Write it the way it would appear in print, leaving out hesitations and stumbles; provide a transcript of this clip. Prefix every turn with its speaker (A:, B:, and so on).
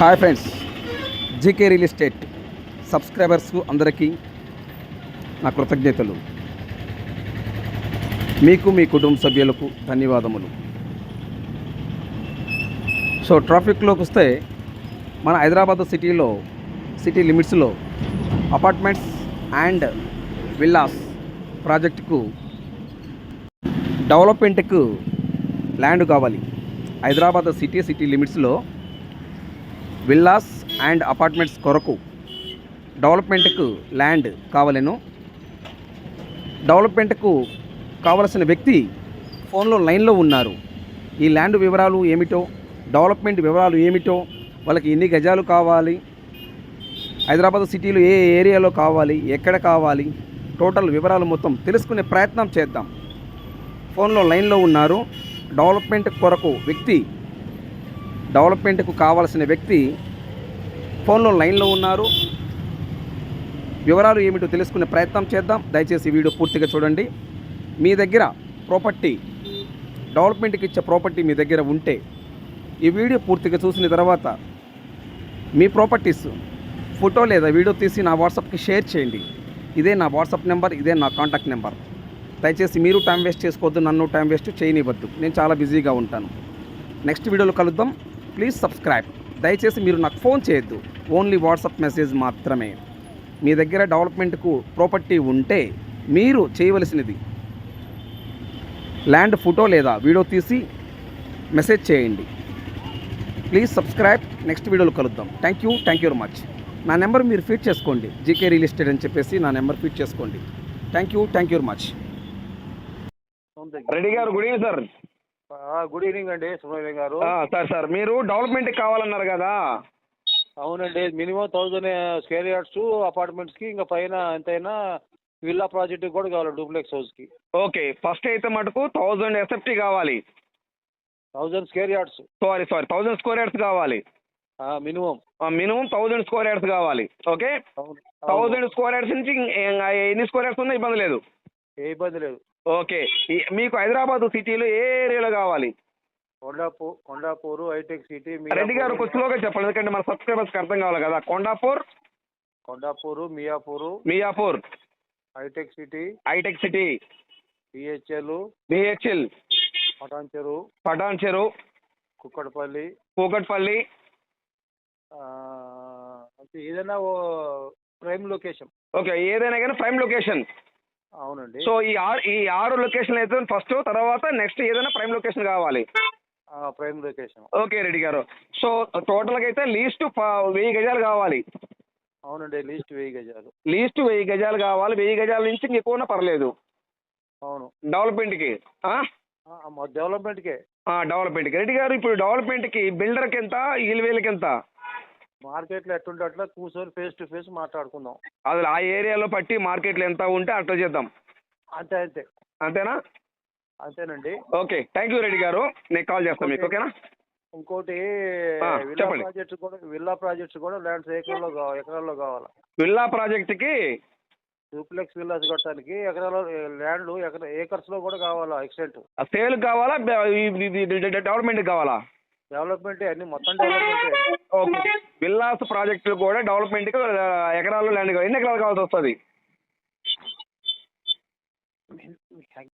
A: Hi friends, GK real estate subscribers అందరికీ నా కృతజ్ఞతలు. మీకు మీ కుటుంబ సభ్యులకు ధన్యవాదములు. సో ట్రాఫిక్లోకి వస్తే మన హైదరాబాద్ సిటీ లిమిట్స్లో అపార్ట్మెంట్స్ అండ్ విల్లాస్ ప్రాజెక్టుకు డెవలప్మెంట్కు ల్యాండ్ కావాలి. హైదరాబాద్ సిటీ లిమిట్స్లో విల్లాస్ అండ్ అపార్ట్మెంట్స్ కొరకు డెవలప్మెంట్కు ల్యాండ్ కావాలను. డెవలప్మెంట్కు కావలసిన వ్యక్తి ఫోన్లో లైన్లో ఉన్నారు. ఈ ల్యాండ్ వివరాలు ఏమిటో, డెవలప్మెంట్ వివరాలు ఏమిటో, వాళ్ళకి ఎన్ని గజాలు కావాలి, హైదరాబాద్ సిటీలో ఏ ఏరియాలో కావాలి, ఎక్కడ కావాలి, టోటల్ వివరాలు మొత్తం తెలుసుకునే ప్రయత్నం చేద్దాం. ఫోన్లో లైన్లో ఉన్నారు. డెవలప్మెంట్కు కావాల్సిన వ్యక్తి ఫోన్లో లైన్లో ఉన్నారు. వివరాలు ఏమిటో తెలుసుకునే ప్రయత్నం చేద్దాం. దయచేసి వీడియో పూర్తిగా చూడండి. మీ దగ్గర ప్రాపర్టీ, డెవలప్మెంట్కి ఇచ్చే ప్రాపర్టీ మీ దగ్గర ఉంటే ఈ వీడియో పూర్తిగా చూసిన తర్వాత మీ ప్రాపర్టీస్ ఫోటో లేదా వీడియో తీసి నా వాట్సాప్కి షేర్ చేయండి. ఇదే నా వాట్సాప్ నెంబర్, ఇదే నా కాంటాక్ట్ నెంబర్. దయచేసి మీరు టైం వేస్ట్ చేసుకోవద్దు, నన్ను టైం వేస్ట్ చేయనివ్వద్దు. నేను చాలా బిజీగా ఉంటాను. నెక్స్ట్ వీడియోలో కలుద్దాం. Please subscribe. దయచేసి మీరు నాకు ఫోన్ చేయొద్దు, ఓన్లీ వాట్సాప్ మెసేజ్ మాత్రమే. మీ దగ్గర డెవలప్మెంట్కు ప్రాపర్టీ ఉంటే మీరు చేయవలసినది ల్యాండ్ ఫోటో లేదా వీడియో తీసి మెసేజ్ చేయండి. Please subscribe. నెక్స్ట్ వీడియోలో కలుద్దాం. Thank you very much. నా నెంబర్ మీరు ఫీడ్ చేసుకోండి, జీకే రియల్ ఎస్టేట్ అని చెప్పేసి నా నెంబర్ ఫీడ్ చేసుకోండి. Thank you very much.
B: Reddy గారు, good evening sir.
C: Good evening అండి, సుబ్రహ్మణ్యం గారు.
B: సార్ మీరు డెవలప్మెంట్ కావాలన్నారు కదా?
C: అవునండి, మినిమం 1000 స్క్వేర్ యార్డ్స్ అపార్ట్మెంట్స్కి, ఇంకా పైన ఎంతైనా విల్లా ప్రాజెక్ట్కి కూడా కావాలి, డూప్లెక్స్ హౌస్కి.
B: ఓకే, ఫస్ట్ అయితే మటుకు 1000 ఎస్ఎఫ్టీ కావాలి.
C: 1000 square yards.
B: Sorry 1000 square yards కావాలి.
C: Minimum
B: 1000 square yards okay. ఓకే, 1000 స్క్వేర్ యార్డ్స్ నుంచి ఎన్ని స్క్వేర్ యార్డ్స్ ఉన్నా ఇబ్బంది లేదు.
C: ఏ ఇబ్బంది లేదు.
B: ఓకే, మీకు హైదరాబాద్ సిటీలో ఏ ఏరియాలో కావాలి?
C: Kondapur, hitech city.
B: రెడ్డి గారు కొంచెం స్లోగా చెప్పండి, ఎందుకంటే మన సబ్స్క్రైబర్స్కి అర్థం కావాలి కదా. కొండాపూర్, మియాపూర్,
C: హైటెక్ City,
B: BHEL, Patancheru, Kukatpally,
C: ఏదైనా ప్రైమ్ లొకేషన్.
B: ఓకే, ఏదైనా కానీ ప్రైమ్ లొకేషన్.
C: అవునండి.
B: సో ఈ ఆరు లొకేషన్ అయితే ఫస్ట్, తర్వాత నెక్స్ట్ ఏదైనా ప్రైమ్ లొకేషన్ కావాలి.
C: Prime location.
B: ఓకే రెడ్డి గారు, సో టోటల్గా అయితే లీస్ట్ 1000 గజాలు కావాలి.
C: అవునండి, లీస్ట్ 1000 గజాలు.
B: లీస్ట్ 1000 గజాలు కావాలి. 1000 గజాల నుంచి ఎక్కువనా పర్లేదు.
C: అవును,
B: డెవలప్మెంట్కి. డెవలప్మెంట్కి రెడ్డి గారు, ఇప్పుడు డెవలప్మెంట్కి బిల్డర్కి ఎంత, ఈల్వేలకి ఎంత?
C: మార్కెట్లో ఎట్టుంటే అట్లా కూర్చొని ఫేస్ టు ఫేస్ మాట్లాడుకుందాం.
B: అసలు ఆ ఏరియాలో పట్టి మార్కెట్లో ఎంత ఉంటే అట్లా చేద్దాం. అంతేనా?
C: అంతేనండి.
B: ఓకే, థ్యాంక్ యూ రెడ్డి గారు, నేను కాల్ చేస్తాను మీకు. ఓకేనా?
C: ఇంకోటి, విల్లా ప్రాజెక్ట్స్ కూడా ల్యాండ్స్ ఎకరాల్లో కావాలి.
B: విల్లా ప్రాజెక్ట్కి
C: డూప్లెక్స్ విల్లాస్ కట్టడానికి ల్యాండ్ ఏకర్స్ లో కూడా కావాలా? ఎక్స్టెంట్
B: సేల్ కావాలా, డెవలప్మెంట్ కావాలా?
C: డెవలప్మెంట్ అన్ని మొత్తం డెవలప్మెంట్.
B: ఓకే, విల్లాస్ ప్రాజెక్టులు కూడా డెవలప్మెంట్కి ఎకరాల్లో ల్యాండ్ కావాలి. ఎన్ని ఎకరాలు కావాల్సి వస్తుంది?